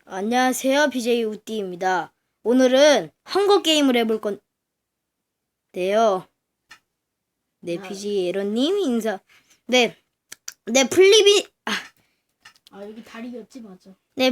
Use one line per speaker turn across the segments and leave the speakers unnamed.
안녕하세요, BJ 우띠입니다. 오늘은 헝거 게임을 해볼 건데요. 네, BJ 에런님 인사. 네, 플리비.
여기 다리였지 맞아.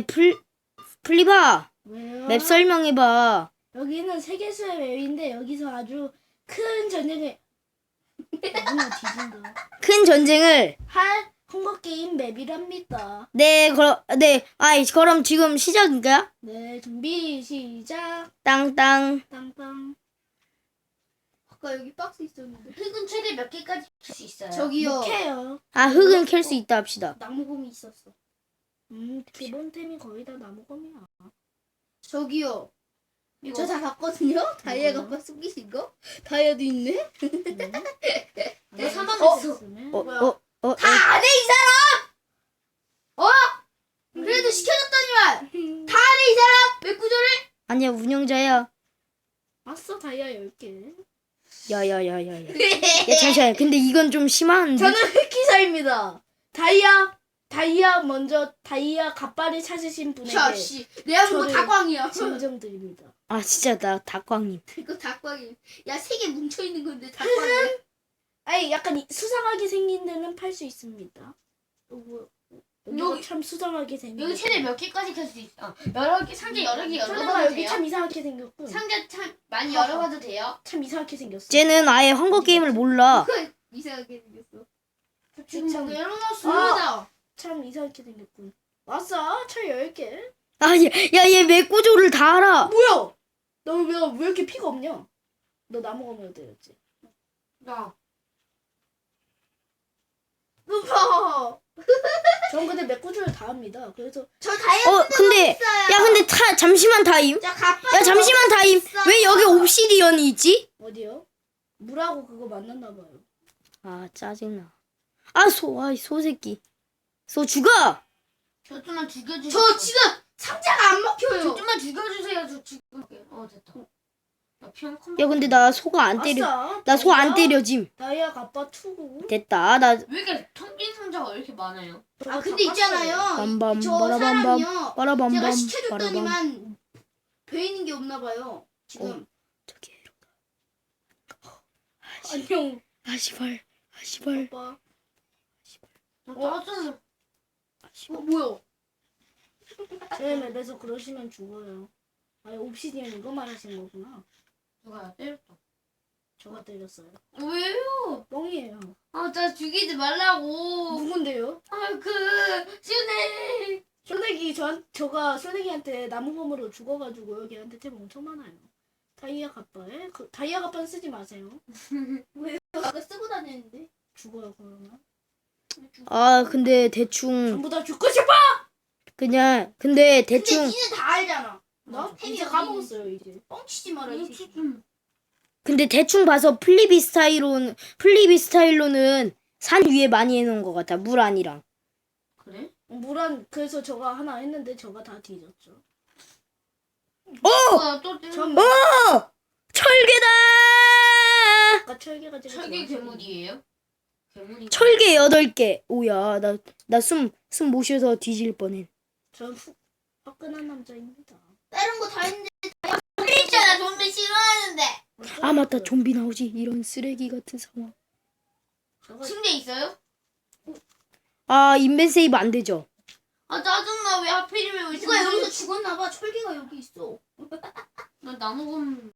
플리바.
왜요?
맵 설명해봐.
여기는 세계수의 맵인데 여기서 아주 큰 전쟁을 누나 뒤진다.
큰 전쟁을.
할 헝거 게임 맵이랍니다.
그럼 지금 시작인가요?
네, 준비 시작.
땅땅.
땅땅.
아까 여기 박스 있었는데. 흙은 최대 몇 개까지 줄 수 있어요?
저기요. 캐요.
흙은 캘 수 있다 합시다.
나무검이 있었어. 기본템이 거의 다 나무검이야.
저기요.
이거.
저 다 봤거든요. 다이아 갖고 숨기신 거? 다이아도 있네. 내 사망 했어.
다
안 해, 이 사람! 그래도 시켜줬더니만! 다 안 해, 이 사람! 왜 구조를?
아니야, 운영자야.
왔어 다이아 10개.
야야야야야. 야, 잠시만. 근데 이건 좀 심한데.
저는 흑기사입니다. 다이아 먼저 다이아 갓발을 찾으신 분에게
자, 씨. 내가 그거
저를-
다광이야.
증정드립니다.
진짜 나 닭광님.
이거 다광이. 야, 3개 뭉쳐있는 건데 다광이야.
아니 약간 수상하게 생긴 데는 팔 수 있습니다. 여기가
여기-
참 수상하게 생긴.
여기 최대 몇 개까지 캘 수 있어? 여러 개, 상자 여러 개
설마
열어봐도
여기
돼요?
참 이상하게 생겼고.
상자 참 많이 열어봐도 돼요?
참 이상하게 생겼어.
쟤는 아예 헝거 게임을 몰라.
이상하게 생겼어.
지금
참
뭐-
열어놨습니다.
참 이상하게 생겼군. 왔어 철 10개.
얘 맵 구조를 다 알아.
뭐야? 너 왜 이렇게 피가 없냐? 너 나무가 몇 대였지?
나.
누가? 전 근데 맥구주를 다 합니다. 그래서
저 다이아
근데 잠시만 타임.
자, 갑바.
잠시만 타임. 왜 여기 옵시디언이 있지?
어디요? 물하고 그거 만났나 봐요.
짜증나. 소 새끼. 소 죽어.
저 좀만 죽여주세요. 저 지금 상자가 안 먹혀요. 저 좀만 죽여주세요. 저 죽을게. 됐다. 나 피한 컴.
야, 근데 나 소가 안 때려.
아싸,
나 소 안
다이아-
때려짐.
다이아 갑바 투구.
됐다. 나
왜 이렇게 텅 빈 상자가 왜 이렇게 많아요?
저거
근데
다
있잖아요.
빰빰
저
빠라밤밤
사람이요. 제가
빠라밤밤 빠라밤.
시켜줬더니만 배 있는 게 없나 봐요. 지금.
저기
안녕.
시발. 시발.
오빠.
나 짜증나.
시발.
뭐야?
제 맵에서 그러시면 죽어요. 옵시디언 이거 말하신 거구나.
누가 때렸다.
저가 때렸어요.
왜요?
뻥이에요.
나 죽이지 말라고.
누군데요?
슈네.
쇼내기 저가 쇼내기한테 나무검으로 죽어가지고요. 걔한테 템 엄청 많아요. 다이아 갑바에 다이아 갑바는 쓰지 마세요.
아까 쓰고 다녔는데.
죽어요 그러면.
근데 대충
전부 다 죽고 싶어.
근데
근데
대충
니는 다 알잖아.
나
템이
이제
어디
까먹었어요 이제.
뻥치지 마라. 이 새끼.
근데 대충 봐서 플리비 스타일로는 산 위에 많이 해놓은 것 같아. 물 아니랑.
그래?
물안 그래서 저가 하나 했는데 저가 다 뒤졌죠.
또 때려.
전
철개다.
아까 철개가 제가
철기
좋아하는
괴물이에요? 괴물이.
철개 8개. 오야, 나 숨 모셔서 뒤질 뻔해.
전 화끈한 남자입니다.
다른 거 다 했는데 좀비 있잖아. 좀비 싫어하는데.
맞다. 좀비 나오지. 이런 쓰레기 같은 상황.
저가
침대 있어요?
인벤 세이브 안 되죠.
짜증나. 왜 하필이면 왜 누가 여기서 죽었나봐. 철기가 여기 있어. 나 나무검.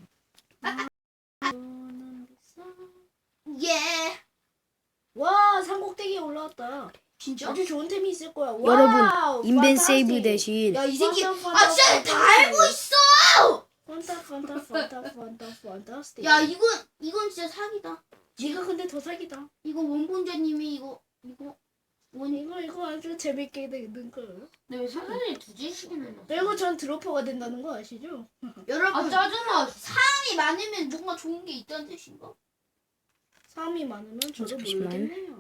예.
와 산꼭대기에 올라왔다.
진짜?
아주 좋은 템이 있을 거야.
여러분,
와우,
인벤
판타스틱.
세이브 대신
야, 이 새끼.
판타,
진짜 다 알고 있어.
판타스틱.
야, 이건 진짜 사기다.
네가 근데 더 사기다.
이거 원본자님이 이거
이거 아주 재밌게 되는 거예요.
근데 왜 사전에 두 개씩이나 넣었어?
그리고 전 드로퍼가 된다는 거 아시죠?
여러분 짜증나. 사람이 많으면 뭔가 좋은 게 있다는 뜻인가?
사람이 많으면 저도
잠시만.
모르겠네요.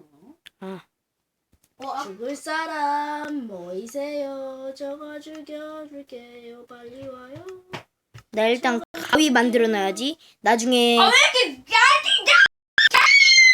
아,
죽을 사람 모이세요. 저거 죽여줄게요. 빨리 와요.
나 일단 가위 만들어놔야지. 나중에
이렇게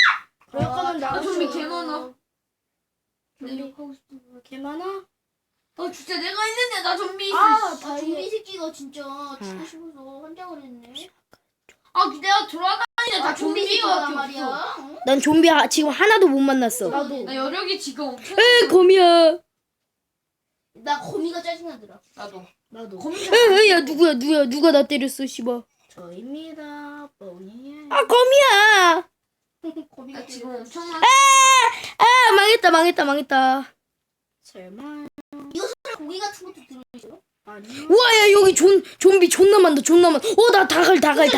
그럴 거면 나가서
좀비 개 많아.
좀비
욕하고 싶은 거.
개 많아?
진짜 내가 했는데 나 좀비.
좀비
새끼가 진짜 죽고 싶어서 환장을 했네. 내가 돌아다니는데 다 좀비가 말이야.
난 좀비 지금 하나도 못 만났어.
나도.
나 여력이 지금 엄청.
에 거미야.
나 거미가 짜증나더라.
나도.
야 누가 나 때렸어 씨발.
저입니다. 뻔히.
아 거미야.
거미가
지금 엄청 많아.
아 망했다.
설마.
고기 같은 것도 들어있어요?
아니요.
우와 야 여기 좀비 존나 많다. 나 다갈.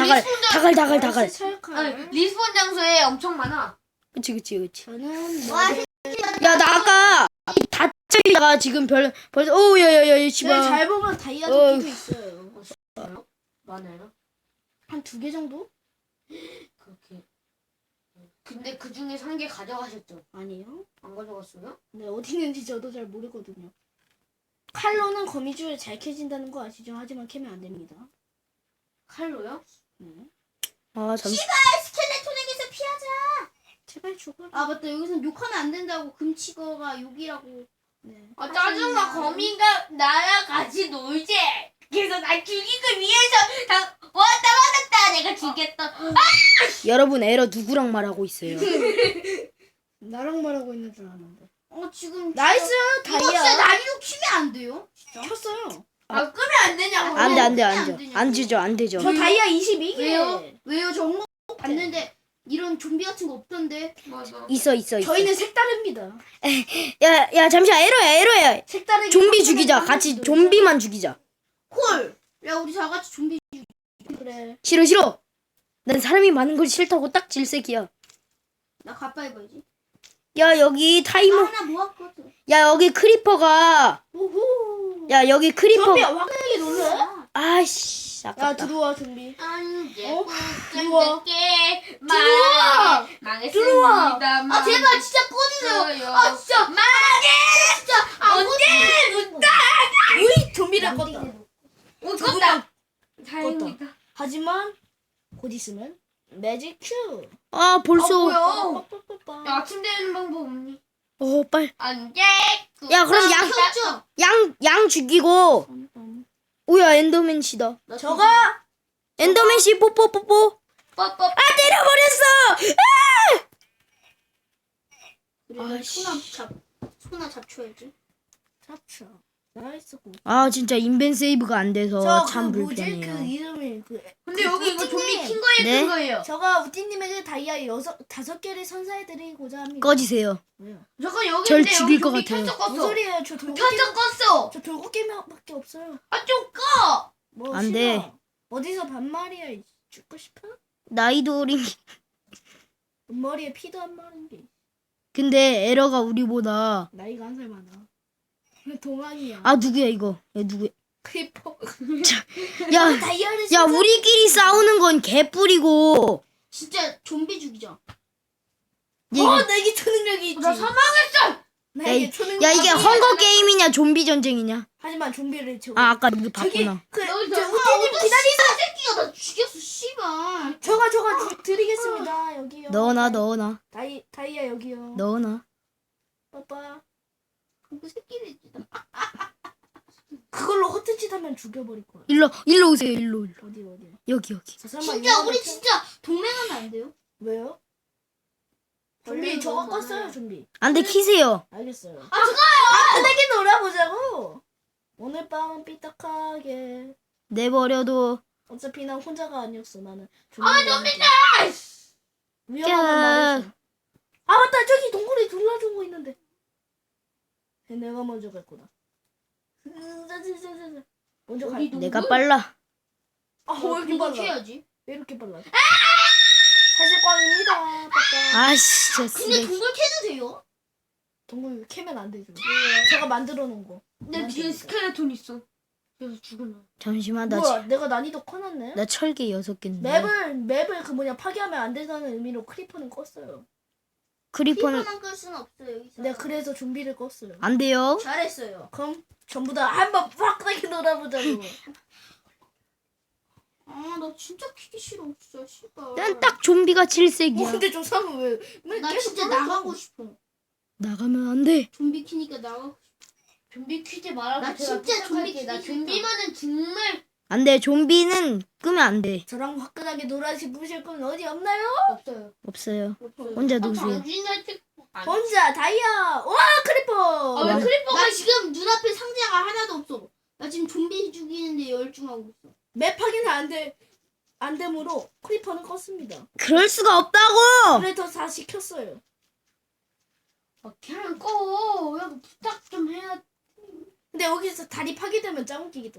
리스폰 장소에 엄청 많아.
그치.
저는
야 나 아까 다짜리다가 지금 벌써 오야야야 씨발.
잘 보면 다이아 도끼도 있어요.
많아요?
한 2개 정도?
그렇게. 근데 그 중에 3개 가져가셨죠?
아니요.
안 가져갔어요?
네, 어디 있는지 저도 잘 모르거든요. 칼로는 거미줄 잘 캐진다는 거 아시죠? 하지만 캐면 안 됩니다.
칼로요?
네.
아 잠시.
스켈레톤에게서 피하자.
제발 죽어라.
맞다. 여기서는 욕하면 안 된다고. 금치거가 욕이라고.
네.
짜증나. 거미가 나랑 같이 놀지. 그래서 날 죽이기 위해서 왔다 내가 죽겠다.
여러분 에러 누구랑 말하고 있어요?
나랑 말하고 있는 줄 아는데.
지금
나이스!
이거 진짜
다이아!
난이도 키면 안 돼요?
켰어요.
끄면 안 되냐고.
안 되죠.
저 다이아 22개.
왜요? 저 홍보 봤는데 이런 좀비 같은 거 없던데. 맞아.
있어.
저희는 색다릅니다.
야 잠시만 에러야.
색다르게
좀비 죽이자. 같이 좀비만 죽이자.
콜. 야 우리 다 같이 좀비.
그래.
싫어. 난 사람이 많은 걸 싫다고 딱 질색이야.
나 가빠이 봐야지.
야 여기 타이머.
하나 모았거든.
야 여기 크리퍼가.
우후.
야 여기 크리퍼.
좀비 확실하게 놀래?
아씨
야
아깝다.
들어와 좀비.
안돼.
들어와.
들어와.
들어와.
망했습니다. 제발 진짜 꺼주세요. 진짜 언제?
우이 좀비를 껐다.
껐다. 다행이다.
하지만 곧 있으면 매직 큐.
아 벌써.
뭐야?
빠빠빠빠.
야, 아침 되는 방법 없니?
빨.
안 돼.
야, 그럼 양 죽이고. 오야 엔더맨씨다.
저가
엔더맨씨 뽀뽀.
뽀뽀.
아 때려버렸어.
그래
소나 잡쳐야지.
잡쳐. 나이스 고.
아 진짜 인벤 세이브가 안 돼서 참
뭐지?
불편해요.
그 이름이
근데 여기 이거 좀비
우띠님.
킨 거예요,
네?
큰 거예요.
저가 우띠님에게 다이아 5개를 선사해드리고자 합니다.
꺼지세요.
왜요?
잠깐 여기
절
있는데
죽일
여기
것
좀비
같아요.
켜져
무슨
껐어.
소리예요? 저 돌고기
켜져 껐어.
저 돌고기밖에 없어요.
좀 꺼.
뭐
안
싫어.
돼.
어디서 반말이야? 죽고 싶어?
나이도 어린.
머리에 피도 안 마른 게.
근데 에러가 우리보다.
나이가 1살 많아. 동안이야.
아 누구야 이거? 얘 누구야?
크리퍼.
야,
다이아를
야 우리끼리 싸우는 건 개뿔이고.
진짜 좀비 죽이자.
내게 초능력이 있지.
나 사망했어.
나에게 초능력.
야 이게 헝거 게임이냐 좀비 전쟁이냐?
하지만 좀비를 저거.
아 아까 누구
저기
봤구나.
저
우띠님
기다리자. 새끼가 나 죽였어. 씨발.
저가 드리겠습니다. 여기요.
넣어놔.
다이아 여기요.
넣어놔.
빠빠.
그 새끼를
그걸로 허튼 짓 하면 죽여버릴 거야.
일로 오세요. 일로.
어디.
여기.
저 설마
진짜 우리
이거를
진짜 동맹하면 안 돼요?
왜요? 좀비 저거 껐어요 좀비.
안돼 키세요.
알겠어요.
잠깐요.
편하게 놀아보자고. 오늘 밤은 삐딱하게.
내버려도.
어차피 난 혼자가 아니었어. 나는
좀비다.
위험하단 말이지. 아 맞다 저기 동굴에 둘러주고 있는데. 내가 먼저 갈 거다. 먼저 갈.
어디
내가 빨라.
왜 이렇게 빨라?
해야지.
왜 이렇게 빨라? 사실광입니다. 빠빠.
아씨 진짜
근데
쓰레기.
동굴 캐도 돼요?
동굴 캐면 안 되죠. 제가 만들어 놓은 거.
내 뒤에 스켈레톤 있어. 그래서 죽을라.
잠시만
뭐야? 내가 난이도 커놨네.
나 철개 6개인데.
맵을 그 뭐냐 파괴하면 안 된다는 의미로 크리퍼는 껐어요.
크리퍼는
끌 수는 없어요 여기서.
내가 그래서 좀비를 껐어요.
안 돼요.
잘했어요.
그럼 전부 다 한번 빡빡하게 놀아보자고.
나 진짜 키기 싫어 진짜 씨발.
난 딱 좀비가 7색이야.
근데 좀 사면 왜?
나 진짜 나가고 싶어.
나가면 안 돼.
좀비 키니까 나가고 싶어. 좀비 퀴즈 말하고
나
제가
진짜 좀비
부탁할게. 나
퀴즈
좀비만은 정말
안 돼. 좀비는 끄면 안 돼.
저랑 화끈하게 놀아보실 건 어디 없나요?
없어요.
없어요.
없어요.
혼자 노세요.
당신한테
혼자 다이아. 와 크리퍼.
아, 왜 크리퍼가
나 지금 눈앞에 상자가 하나도 없어. 나 지금 좀비 죽이는데 열중하고 있어.
맵 확인 안 되므로 크리퍼는 껐습니다.
그럴 수가 없다고.
그래서 다시 켰어요.
그냥 꺼. 야, 부탁 좀 해야.
근데 여기서 다리 파괴되면 짱 웃기겠다.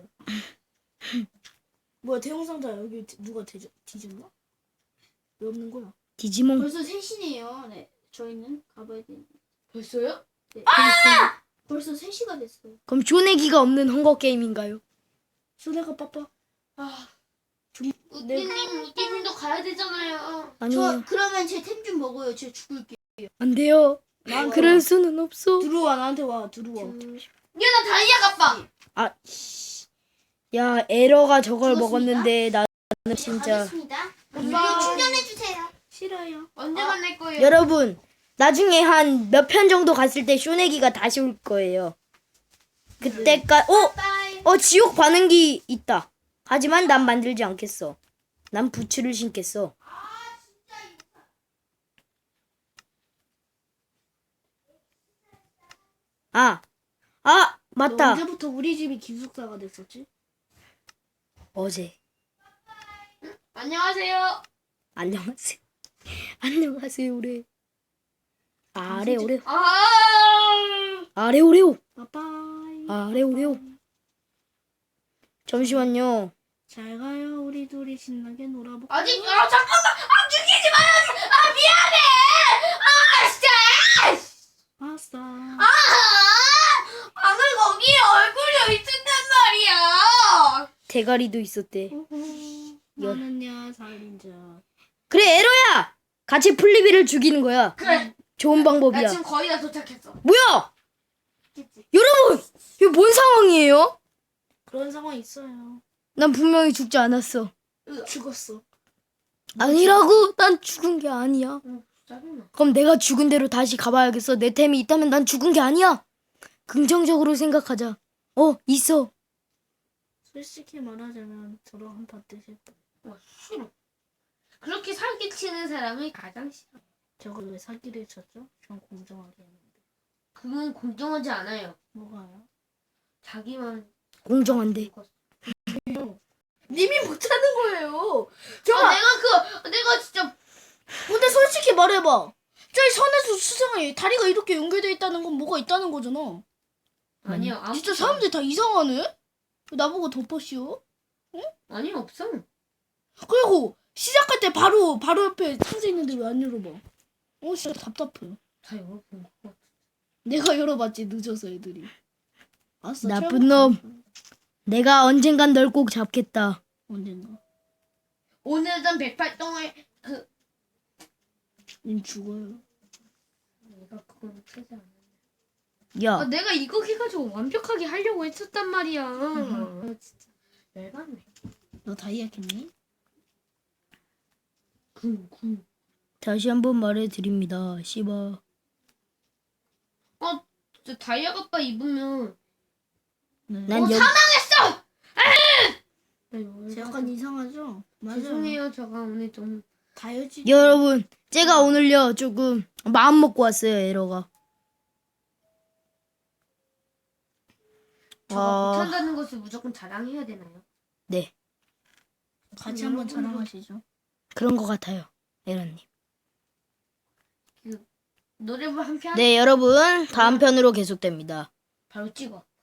뭐야 대형상자 여기 누가 뒤졌나? 왜 없는 거야?
디지몬.
벌써 3시네요. 네. 저희는 가봐야 돼.
벌써요?
네. 벌써 3시가 됐어요.
그럼 쇼내기가 없는 헝거 게임인가요?
손해가 빠빠.
아,
네.
우띠님도 가야 되잖아요.
아니요.
그러면 제 템 좀 먹어요. 제가 죽을게.
안 돼요.
난
그럴 수는 없어.
들어와 나한테 와 들어와.
야, 나 다이아 갚아.
아, 씨. 야, 에러가 저걸
죽었습니다.
먹었는데 나는 진짜.
가겠습니다.
엄마.
이거 충전해주세요.
싫어요.
언제 만날 거예요?
여러분, 나중에 한 몇 편 정도 갔을 때 쇼내기가 다시 올 거예요. 그때까지
빠이.
지옥 반응기 있다. 하지만 난 만들지 않겠어. 난 부츠를 신겠어. 아,
너
맞다.
언제부터 우리 집이 기숙사가 됐었지?
어제.
안녕하세요.
안녕하세요. 안녕하세요, 오래. 아래 오레오.
아,
아래 오레오.
빠빠이.
아래 오레오. 잠시만요.
잘 가요. 우리 둘이 신나게 놀아볼까?
아직 잠깐만. 죽이지 마요. 미안해. 진짜.
아싸.
방금 거기에 얼굴이 있었단 말이야.
대가리도 있었대.
나는야 살인자.
그래, 에러야. 같이 플리비를 죽이는 거야.
그래.
좋은
나
방법이야.
지금 거의 다 도착했어.
뭐야? 여러분, 이거 뭔 상황이에요?
그런 상황 있어요.
난 분명히 죽지 않았어.
죽었어.
아니라고? 난 죽은 게 아니야.
짜증나.
그럼 내가 죽은 대로 다시 가봐야겠어. 내 템이 있다면 난 죽은 게 아니야. 긍정적으로 생각하자. 있어.
솔직히 말하자면 저랑 한판 뜨실 거.
싫어. 그렇게 사기치는 사람이 가장 싫어.
저거 왜 사기를 쳤죠? 전 공정하게 했는데.
그건 공정하지 않아요.
뭐가요?
자기만
공정한데.
님이 못하는 거예요.
내가 진짜
근데 솔직히 말해봐. 저기 선에서 수상해. 다리가 이렇게 연결돼 있다는 건 뭐가 있다는 거잖아.
아니야. 아무것도
진짜 사람들이 다 이상하네? 왜 나보고 덮어씌워?
아니 없어.
그리고 시작할 때 바로 옆에 상자 있는데 왜 안 열어봐? 진짜 답답해.
다 열어본 거.
내가 열어봤지 늦어서 애들이. 알았어.
나쁜 놈. 내가 언젠간 널 꼭 잡겠다.
언젠가.
오늘은 108동을
님 죽어요.
내가 그건 최대 안
야,
내가 이거 해가지고 완벽하게 하려고 했었단 말이야. 진짜 열받네.
너 다이아 캤니?
군.
다시 한번 말해드립니다. 씨바.
진짜 다이아 갑바 입으면
난 여기
사망했어.
제 약간 이상하죠? 맞아요.
죄송해요. 제가 오늘 좀
다이어지.
여러분, 제가 오늘요 조금 마음 먹고 왔어요. 에러가.
저가 못한다는 것을 무조건 자랑해야 되나요?
네,
같이 한번 자랑하시죠.
그런 것 같아요. 에러님.
노래부 한 편?
네, 여러분 다음 편으로 계속됩니다.
바로 찍어.